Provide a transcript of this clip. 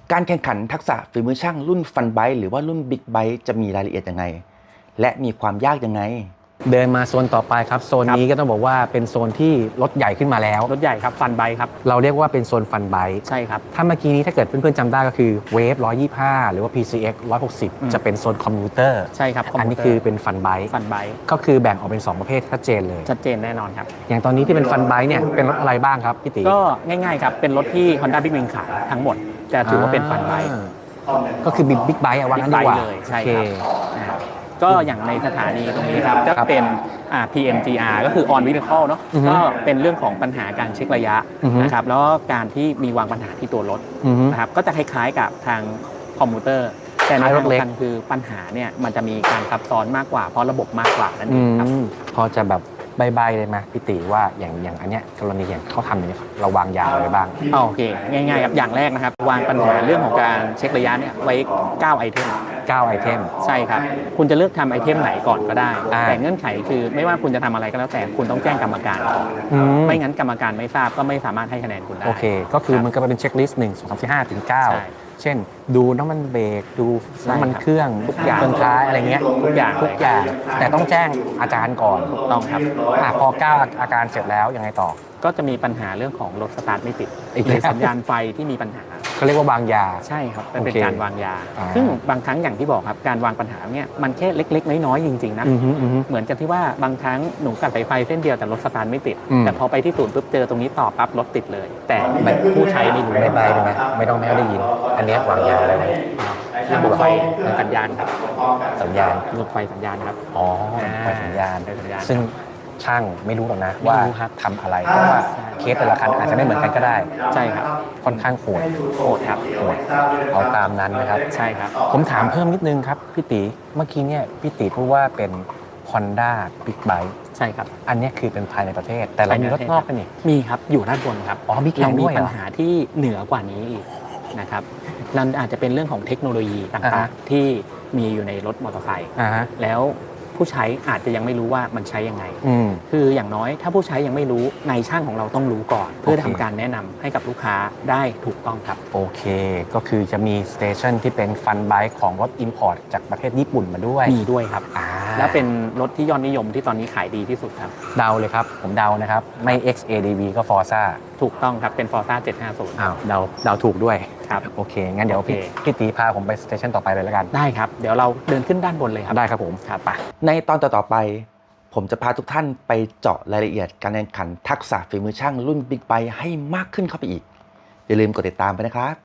การแข่งขันทักษะฝีมือช่างรุ่นฟันไบค์หรือว่ารุ่นบิ๊กไบค์จะมีรายละเอียดยังไงและมีความยากยังไงเดินมาโซนต่อไปครับโซนนี้ก็ต้องบอกว่าเป็นโซนที่รถใหญ่ขึ้นมาแล้วรถใหญ่ครับฟันไบครับเราเรียกว่าเป็นโซนฟันไบค์ใช่ครับถ้าเมื่อกี้นี้ถ้าเกิดเพื่อนๆจำได้ก็คือเวฟ125หรือว่า PCX 160จะเป็นโซนคอมพิวเตอร์ใช่ครับอันนี้คือเป็นฟันไบค์ก็คือแบ่งออกเป็น2ประเภทชัดเจนเลยชัดเจนแน่นอนครับอย่างตอนนี้ที่เป็นฟันไบค์เนี่ยเป็นรถอะไรบ้างครับพี่ติก็ง่ายๆครับเป็นรถที่ Honda Big Wing ขายทั้งหมดจะถือว่าเป็นฟันไบค์ก็คือบิ๊กไบค์ว่างั้นดีกว่าเลยใช่ครับก็อย่างในสถานีตรงนี้ครับก็เป็นPMGR ก็คือ on vehicle เนาะก็เป็นเรื่องของปัญหาการเช็คระยะนะครับแล้วก็การที่มีวางปัญหาที่ตัวรถนะครับก็จะคล้ายๆกับทางคอมพิวเตอร์แต่ในรถเล็กคือปัญหาเนี่ยมันจะมีการซับซ้อนมากกว่าเพราะระบบมากกว่านั่นเองครับพอจะแบบใบเลยไหมพี่ติว่าอย่างอันเนี้ยกรณีอย่างเขาทำอย่างนี้เราวางยาอะไรบ้างโอเคง่ายๆครับอย่างแรกนะครับวางปัญหาเรื่องของการเช็คระยะเนี่ยไว้9ไอเทม 9ไอเทมใช่ครับคุณจะเลือกทำไอเทมไหนก่อนก็ได้แต่เงื่อนไขคือไม่ว่าคุณจะทำอะไรก็แล้วแต่คุณต้องแจ้งกรรมการก่อนไม่งั้นกรรมการไม่ทราบก็ไม่สามารถให้คะแนนคุณได้โอเคก็คือมันก็เป็นเช็คลิสต์1 2 3 4 5ถึง9เช่นดูน้ำมันเบรกดูน้ำมันเครื่องทุกอย่างเครื่องท้ายอะไรเงี้ยทุกอย่างแต่ต้องแจ้งอาจารย์ก่อนต้องครับพอ9อาการเสร็จแล้วยังไงต่อก็จะมีปัญหาเรื่องของรถสตาร์ทไม่ติดหรือสัญญาณไฟที่มีปัญหาเขาเรียกว่าวางยาใช่ครับเป็นการวางยาซึ่งบางครั้งอย่างที่บอกครับการวางปัญหาเนี่ยมันแค่เล็กๆน้อยๆจริงๆนะเหมือนกับที่ว่าบางครั้งหนูกัดสายไฟเส้นเดียวแต่รถสตาร์ทไม่ติดแต่พอไปที่ศูนย์ปุ๊บเจอตรงนี้ต่อปั๊บรถติดเลยแต่ผู้ใช้ไม่รู้ใบได้ไหมไม่ต้องได้ยินอันนี้วางยาอะไรระบบไฟสัญญาณครับสัญญาณระบบไฟสัญญาณครับไฟสัญญาณซึ่งช่างไม่รู้หรอกนะว่าทำอะไรเพราะว่าเคสแต่ละคันอาจจะไม่เหมือนกันก็ได้ใช่ครับค่อนข้างโหดครับโหดเอาตามนั้นนะครับใช่ครับผมถามเพิ่มนิดนึงครับพี่ติเมื่อกี้เนี่ยพี่ติพูดว่าเป็น Honda Big Bike ใช่ครับอันนี้คือเป็นภายในประเทศแต่เรามีรถนอกกันนี่มีครับอยู่ด้านบนครับมีแข่งด้วยปัญหาที่เหนือกว่านี้อีกนะครับนั่นอาจจะเป็นเรื่องของเทคโนโลยีต่างๆที่มีอยู่ในรถมอเตอร์ไซค์แล้วผู้ใช้อาจจะยังไม่รู้ว่ามันใช้ยังไงคืออย่างน้อยถ้าผู้ใช้ยังไม่รู้ในช่างของเราต้องรู้ก่อนเพื่อทำการแนะนำให้กับลูกค้าได้ถูกต้องครับโอเคก็คือจะมีสเตชันที่เป็นฟันไบค์ของรถ Import จากประเทศญี่ปุ่นมาด้วยมีด้วยครับและเป็นรถที่ยอดนิยมที่ตอนนี้ขายดีที่สุดครับเดาเลยครับผมเดานะครับไม่ XADV ก็ Forza ถูกต้องครับเป็น Forza 750 เดาถูกด้วยครับโอเคงั้นเดี๋ยวพี่ตีพาผมไปสเตชันต่อไปเลยแล้วกันได้ครับเดี๋ยวเราเดินขึ้นด้านบนเลยครับได้ครับผมครับไปในตอนต่อไปผมจะพาทุกท่านไปเจาะรายละเอียดการแข่งขันทักษะฝีมือช่างรุ่นบิ๊กไบค์ให้มากขึ้นเข้าไปอีกอย่าลืมกดติดตามไปนะครับ